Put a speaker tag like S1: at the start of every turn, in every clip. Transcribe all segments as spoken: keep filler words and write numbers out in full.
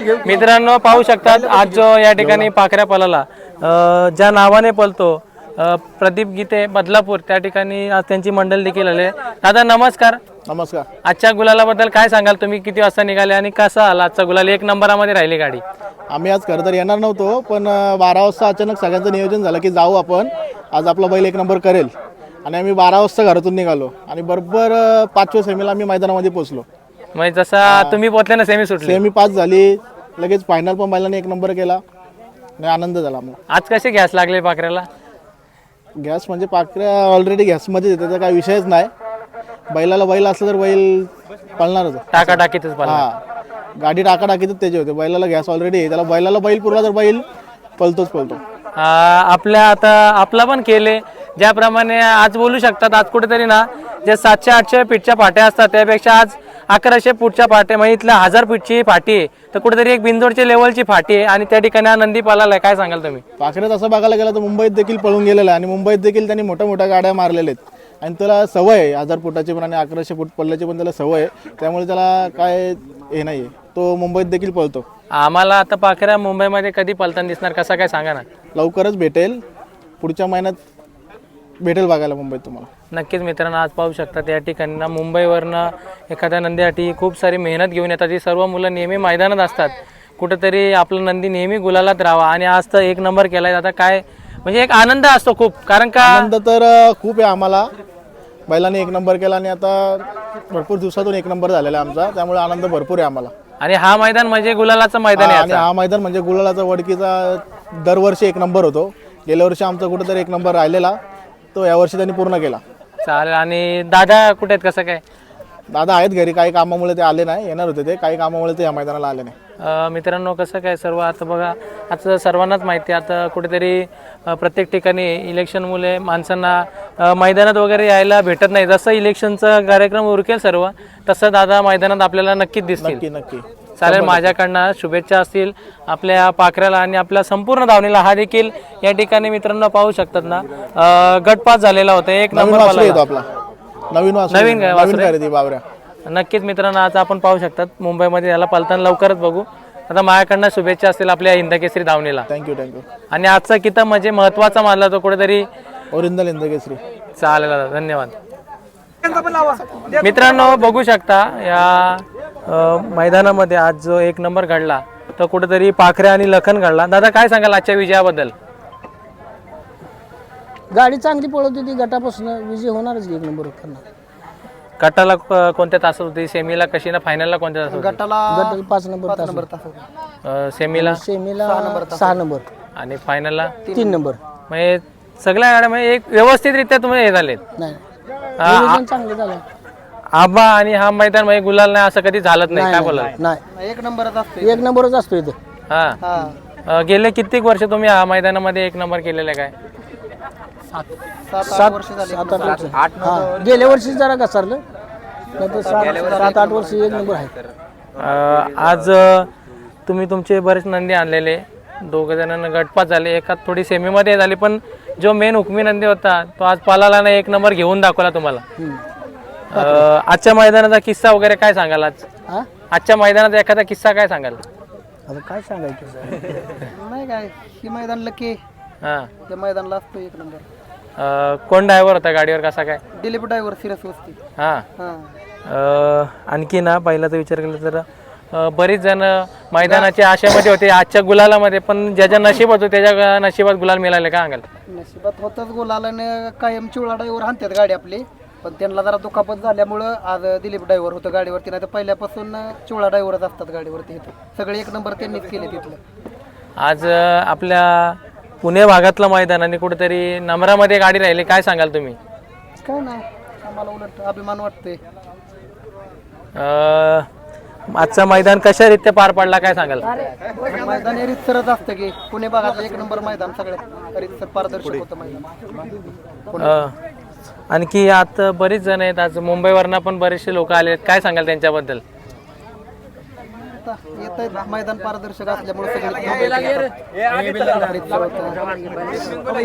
S1: मित्रांनो पाहू शकतात आज जो या ठिकाणी पाखऱ्या पळाला अ, ज्या नावाने पळतो अ, प्रदीप गीते बदलापूर त्या ठिकाणी आज त्यांची मंडळ देखील आले. दादा नमस्कार.
S2: नमस्कार.
S1: आजच्या गुलालाबद्दल काय सांगाल तुम्ही? किती वाजता निघाले आणि कसा आला आजचा गुलाल? एक नंबरामध्ये राहिली गाडी.
S2: आम्ही आज खरं तर येणार नव्हतो, पण बारा वाजता अचानक सगळ्यांचं नियोजन झालं की जाऊ आपण, आज आपला बैल एक नंबर करेल. आणि आम्ही बारा वाजता घरातून निघालो आणि बरोबर पाचव्या सेमीला आम्ही मैदानामध्ये पोहोचलो.
S1: म्हणजे जसा तुम्ही पोहोचले ना सेमी सुटली.
S2: सेमी पाच झाली, लगेच फायनल पण बैलाने एक नंबर केला आणि आनंद झाला आम्हाला.
S1: आज कसे गॅस लागले पाखऱ्याला?
S2: गॅस म्हणजे पाकऱ्या ऑलरेडी गॅसमध्ये त्याचा काही विषयच नाही. बैलाला बैल असलं तर बैल पळणारच.
S1: टाका टाकीतच पळला.
S2: हा, गाडी टाका टाकीतच त्याचे होते. बैलाला गॅस ऑलरेडी आहे, त्याला बैलाला बैल पुरला तर बैल पळतोच पळतो.
S1: आपल्या आता आपला पण केले ज्याप्रमाणे आज बोलू शकतात. आज कुठेतरी ना जे सातशे आठशे फीटच्या पाट्या असतात त्यापेक्षा आज अकराशे फूटच्या पाट्या म्हणजे इथल्या हजार फीटची फाटी आहे, तर कुठेतरी एक बिंदोडच्या लेवलची फाटी आहे आणि त्या ठिकाणी हा नंदी पालाला. काय सांगाल तुम्ही?
S2: पाखऱ्यात असं बघायला गेलं तर मुंबईत देखील पळून गेलेला आहे आणि मुंबईत देखील त्यांनी मोठ्या मोठ्या गाड्या मारलेल्या आहेत आणि त्याला सवय आहे हजार फुटाची पण आणि अकराशे फूट पडल्याची पण त्याला सवय आहे. त्यामुळे त्याला काय हे नाही आहे, तो मुंबईत देखील पळतो.
S1: आम्हाला आता पाखऱ्या मुंबईमध्ये कधी पळताना दिसणार कसा काय सांगा ना?
S2: लवकरच भेटेल, पुढच्या महिन्यात भेटेल बघायला मुंबईत तुम्हाला.
S1: नक्कीच मित्रांनो आज पाहू शकतात या ठिकाणी ना मुंबईवरनं एखाद्या नंदीसाठी खूप सारी मेहनत घेऊन येतात. ही सर्व मुलं नेहमी मैदानात असतात. कुठेतरी आपलं नंदी नेहमी गुलालात राहावा आणि आज तर एक नंबर केलाय. आता काय म्हणजे एक आनंद असतो खूप, कारण का
S2: आनंद तर खूप आहे आम्हाला. बैलाने एक नंबर केला आणि आता भरपूर दिवसातून एक नंबर झालेला आहे आमचा, त्यामुळे आनंद भरपूर आहे आम्हाला.
S1: आणि हा मैदान म्हणजे गुलालाचं मैदान आहे.
S2: आणि हा मैदान म्हणजे गुलालाचा वडकीचा दरवर्षी एक नंबर होतो. गेल्या वर्षी आमचा कुठेतरी एक नंबर राहिलेला, तो यावर्षी त्यांनी पूर्ण केला.
S1: चालेल. आणि दादा कुठे आहेत कसं काय?
S2: दादा आहेत घरी, काही कामामुळे ते आले नाही. येणार होते ते, काही कामामुळे ते या मैदानाला आले नाही.
S1: मित्रांनो कसं काय सर्व आता बघा, आता सर्वांनाच माहिती आहे आता कुठेतरी प्रत्येक ठिकाणी इलेक्शनमुळे माणसांना मैदानात वगैरे यायला भेटत नाही. जसं इलेक्शनचा कार्यक्रम उरकेल सर्व तसं दादा मैदानात आपल्याला नक्कीच दिसतील.
S2: नक्की नक्की
S1: चालेल. माझ्याकडनं शुभेच्छा असतील आपल्या पाखऱ्याला आणि आपल्या संपूर्ण धावणीला. हा देखील या ठिकाणी मित्रांनो पाहू शकतात ना गटपास झालेला होता. एक नंबर
S2: आपला नवीन
S1: नवीन काय
S2: नवीन खरेदी बावऱ्या.
S1: नक्कीच मित्रांनो आज आपण पाहू शकतात मुंबईमध्ये याला पळताना लवकरच बघू. आता माझ्याकडनं शुभेच्छा असतील आपल्या हिंदकेसरी धावणीला.
S2: Thank you thank you.
S1: आणि आजचा किताब म्हणजे महत्वाचा मानला तो कुठेतरी
S2: ओरिजिनल हिंदकेसरी.
S1: चालेल दादा, धन्यवाद. मित्रांनो बघू शकता या मैदानामध्ये आज जो एक नंबर घडला तो कुठेतरी पाखरे आणि लखन घडला. दादा काय सांगाल आजच्या विजयाबद्दल?
S3: गाडी चांगली पळत होती, गटापासून विजय होणारच एक नंबर करणार.
S1: गटाला कोणत्या तासात होती? सेमीला कशी ना फायनलला कोणत्या तासात?
S3: गटाला गटाला पाच नंबर तास नंबर तास
S1: सेमीला
S3: सेमीला सहा नंबर
S1: आणि फायनलला
S3: तीन नंबर.
S1: म्हणजे सगळ्या गाड्या म्हणजे एक व्यवस्थितरित्या तुम्ही हे झालेत.
S3: नाही नियोजन चांगलं झालं.
S1: आबा आणि हा मैदान म्हणजे गुलाल नाही असं कधी झालंच नाही. काय बोला?
S3: नाही एक नंबरच असतो, एक नंबरच असतो इथं.
S1: हा. गेले कित्येक वर्ष तुम्ही या मैदानामध्ये एक नंबर केलेला काय?
S3: सात वर्ष झाली. सात आठ वर्ष. हा गेल्या वर्षी जरा घसरलं, नाही तर सात आठ वर्ष एक नंबर आहे.
S1: आज तुम्ही तुमचे बरेच नंदी आणलेले, दोघ जणांना गटपात झाले, एकात थोडी सेमीमध्ये झाली, पण जो मेन हुकमी नंदी होता तो आज पालाला ना एक नंबर घेऊन दाखवला तुम्हाला. आजच्या मैदानाचा किस्सा वगैरे काय सांगाल? आज आजच्या मैदानाचा एखादा किस्सा काय सांगाल?
S3: आता काय सांगायचं नाही, काय ही मैदान लकी.
S1: हा
S3: त्या मैदानला असतो एक नंबर.
S1: कोण ड्रायव्हर होता गाडीवर कसा काय?
S3: दिलीप ड्रायव्हर सिरस वस्ती.
S1: हा. आणखी ना पहिल्याचा विचार केला तर बरीच जण मैदानाच्या आशेमध्ये होते आजच्या गुलालामध्ये, पण ज्याच्या नशीब होतो त्याच्या नशिबात गुलाल मिळाले. काय सांगाल?
S3: नशिबात होतच गुलालाने कायम चिवळा ड्रायव्हर हाणतात गाडी आपली, पण त्यांना जरा दुखापत झाल्यामुळं आज दिलीप ड्रायव्हर होतं गाडीवरती. नाही तर पहिल्यापासून चिवळा ड्रायव्हरच असतात गाडीवरती. सगळे एक नंबर त्यांनीच केले तिथलं.
S1: आज आपल्या पुणे भागातलं मैदान आणि कुठेतरी नंबरामध्ये गाडी राहिली. काय सांगाल तुम्ही?
S3: काय नाही, आम्हाला उलट अभिमान वाटतोय.
S1: आजचा मैदान कशा रीत्या पार पडला काय सांगाल?
S3: मैदान हे रितसरच असतं की पुणे भागात एक नंबर मैदान सगळ्यात रितसर पारदर्शक होतं मैदान.
S1: आणखी आता बरीच जण आहेत, आज मुंबईवरनं पण बरेचसे लोक आले आहेत. काय सांगाल त्यांच्याबद्दल?
S3: येत आहेत, मैदान पारदर्शक असल्यामुळे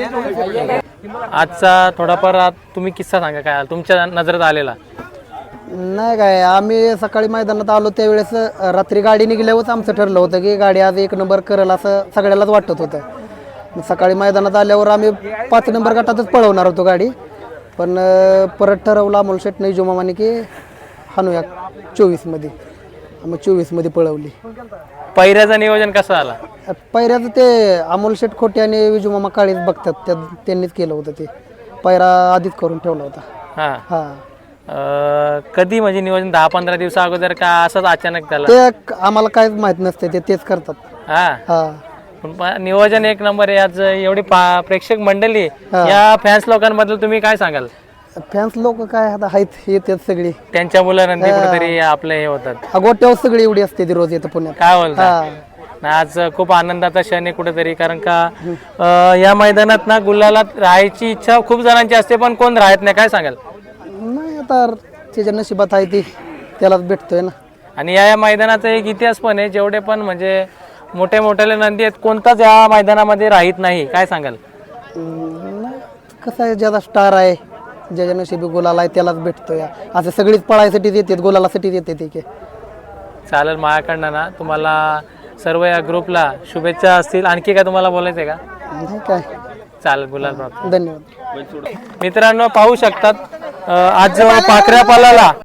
S1: आजचा थोडाफार तुम्ही किस्सा सांगा काय तुमच्या नजरेत आलेला?
S3: नाही काय आम्ही सकाळी मैदानात आलो त्यावेळेस अ, रात्री गाडी निघल्यावरच आमचं ठरलं होतं की गाडी आज एक नंबर करेल असं सगळ्यालाच वाटत होतं. मग सकाळी मैदानात आल्यावर आम्ही पाच नंबर गटातच पळवणार होतो गाडी, पण अ, परत ठरवलं अमोल शेटने जुमामाने की हाणूया चोवीसमध्ये. मग चोवीसमध्ये पळवली.
S1: पहिऱ्याचं नियोजन कसं आला?
S3: पैऱ्याचं ते अमोल शेट खोटे आणि विजुमामा काळीच बघतात, त्या त्यांनीच केलं होतं. ते पैरा आधीच करून ठेवला होता.
S1: हा
S3: हा
S1: अं, कधी म्हणजे नियोजन दहा पंधरा दिवसा अगोदर का असंच अचानक झालं?
S3: ते क- आम्हाला काहीच माहित नसते, ते तेच करतात.
S1: हा
S3: हा
S1: पण प- नियोजन एक नंबर आहे. आज एवढी पा- प्रेक्षक मंडळी या फॅन्स लोकांबद्दल तुम्ही काय सांगाल?
S3: फॅन्स लोक काय आता आहेत, येतात सगळी.
S1: त्यांच्या मुलांनी कुठेतरी आपले हे होतात.
S3: गोट्यावर सगळी एवढी असते ती रोज येतं पुण्यात.
S1: काय बोलता?
S3: हा
S1: नाही, आज खूप आनंदाचा क्षण आहे कुठेतरी, कारण का अं, या मैदानात ना गुलालात राहायची इच्छा खूप जणांची असते, पण कोण राहत नाही. काय सांगाल?
S3: नाही आता त्याच्या नशिबात आहे ती त्यालाच भेटतोय ना.
S1: आणि या या मैदानाचा एक इतिहास पण आहे. जेवढे पण म्हणजे मोठे मोठे नंदी आहेत, कोणताच या मैदानामध्ये राहत नाही. काय सांगाल?
S3: हम्म, नाही, कसं आहे, ज्याचा स्टार आहे, ज्याच्या नशिबी गुलाल आहे त्यालाच भेटतोय. असं सगळीच पळायसाठीच येतात, गुलालासाठीच येते ठीक आहे.
S1: चालेल, माझ्याकडनं ना तुम्हाला सर्व या ग्रुपला शुभेच्छा असतील. आणखी काय तुम्हाला बोलायचं आहे का?
S3: नाही काय,
S1: चालेल, गुलाल प्राप्त.
S3: धन्यवाद.
S1: मित्रांनो, पाहू शकतात अं, आज पाखऱ्या पालाला